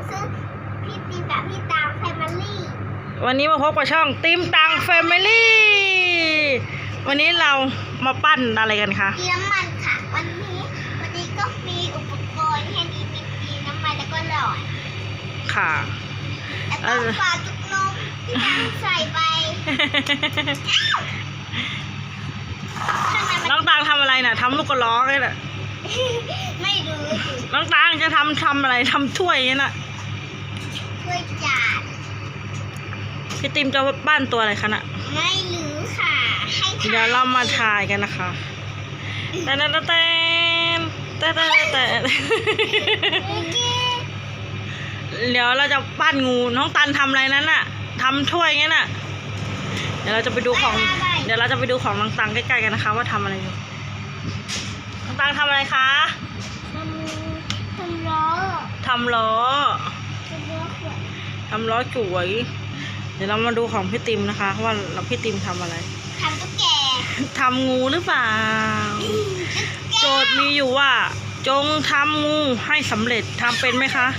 ซึ่งพี่ตีมกับพี่ตังแฟมิลี่วันนี้มาพบกับช่องติมตังแฟมิลี่วันนี้เรามาปั้นอะไรกันคะมีน้ำมันค่ะวันนี้ก็มีอุปกรณ์แค่นี้มีน้ำมันแล้วก็หลอดค่ะแล้วก็ปลาจุกนมที่ตังใส่ไปน้องตังทำอะไรน่ะทำลูกกระล้อเลยน่ะไม่รู้น้องตังจะทำอะไรทำถ้วยนี่น่ะถ้วยจานพี่ติมจะปั้นตัวอะไรคะน่ะไม่รู้ค่ะให้ทายเดี๋ยวเรามาทายกันนะคะแต่เดี๋ยวเราจะปั้นงูน้องตันทำอะไรนั้นน่ะทำถ้วยงั้นน่ะเดี๋ยวเราจะไปดูของน้องตังใกล้ๆกันนะคะว่าทำอะไรอยู่น้องตังทำอะไรคะทำล้อทำล้อจุ๋ยเดี๋ยวเรามาดูของพี่ติมนะคะว่าพี่ติมทำอะไรทำตุ๊กแกทำงูหรือเปล่าโจทย์มีอยู่ว่าจงทำงูให้สำเร็จทำเป็นไหมคะ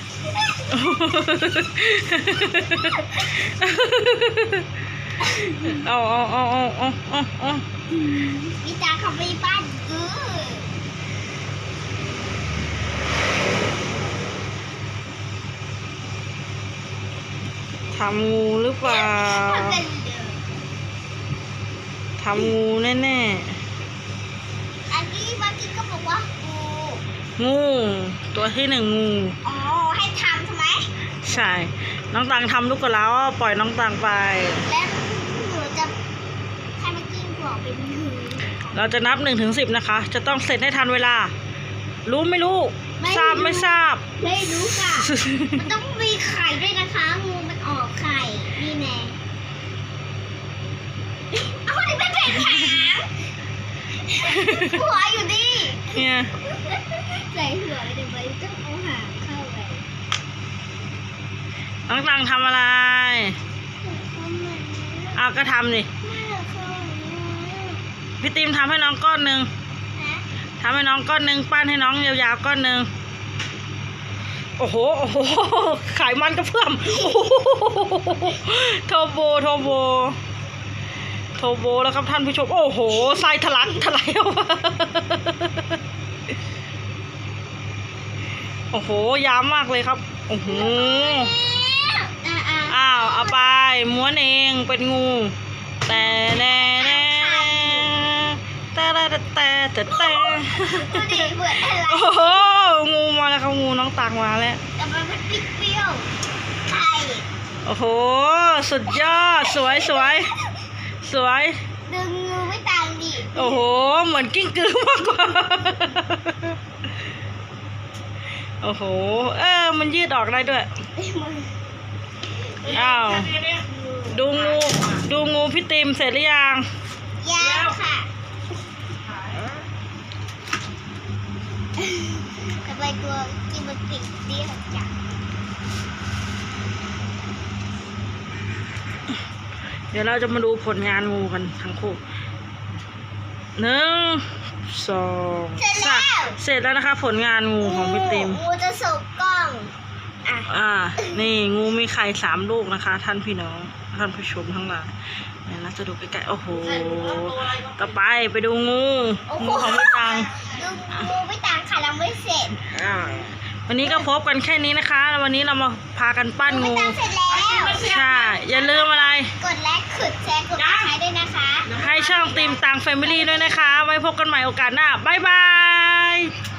เอาพี่ตาเขาไปบ้านทำงูหรือเปล่าทำงูแน่ๆอันนี้เมื่อกี้ก็บอกว่างูตัวที่1งูอ๋อให้ทำใช่ไหมใช่น้องตังทำลูกกระแล้วปล่อยน้องตังไปแล้วหนูจะให้มันกิ้งหัวเป็นเราจะนับ1 ถึง 10นะคะจะต้องเสร็จให้ทันเวลารู้ไม่รู้ทราบไม่ทราบไม่รู้ค่ะมันต้องมีไข่ด้วยนะคะงูมันออกไข่นี่แน่เอาคนนี้เป็นเป็ดหางหัวอยู่ดิเนี่ยใส่หัวไปเดี๋ยวมันต้องเอาหางเข้าไปน้องตังทำอะไรเอาก็ทำดิพี่ติมทำให้น้องก้อนหนึ่งทำให้น้องก้อนหนึ่งปั้นให้น้องยาวๆก้อนหนึ่งโอ้โหไขมันกระเพื่อมโทโบแล้วครับท่านผู้ชมโอ้โหไส้ทะลักทลายออกมาโอ้โหยาวมากเลยครับโอ้โหอ้าวเอาไปม้วนเองเป็นงูแต่โอ้โหงูมาแล้วครับงูน้องตังมาแล้วแต่มันเป็นเปรี้ยวไข่โอ้โหสุดยอดสวยดึงงูไม่ต่างดิโอ้โหเหมือนกิ้งกือมากกว่าโอ้โหมันยืดออกได้ด้วยอ้าวดูงูพี่ติมเสร็จหรือยังยังค่ะทำไมตัวกินมันปิดเตี้ยจังเดี๋ยวเราจะมาดูผลงานงูกันทั้งคู่1 2 3เสร็จแล้วนะคะผลงานงูของพี่ติมงูจะสุกกล้องนี่งูมีไข่3 ลูกนะคะท่านพี่น้องท่านผู้ชมทั้งหลายเนี่ยเราจะดูใกล้ๆโอ้โหต่อไปดูงูของพี่ตังงูไม่ต่างค่ะเราไม่เสร็จวันนี้ก็พบกันแค่นี้นะคะวันนี้เรามาพากันปั้นงูเสร็จแล้วใช่อย่าลืมอะไรกดไลค์กดแชร์กดติดตามด้วยนะคะให้ช่องติมตังแฟมิลี่ด้วยนะคะไว้พบกันใหม่โอกาสหน้าบ๊ายบาย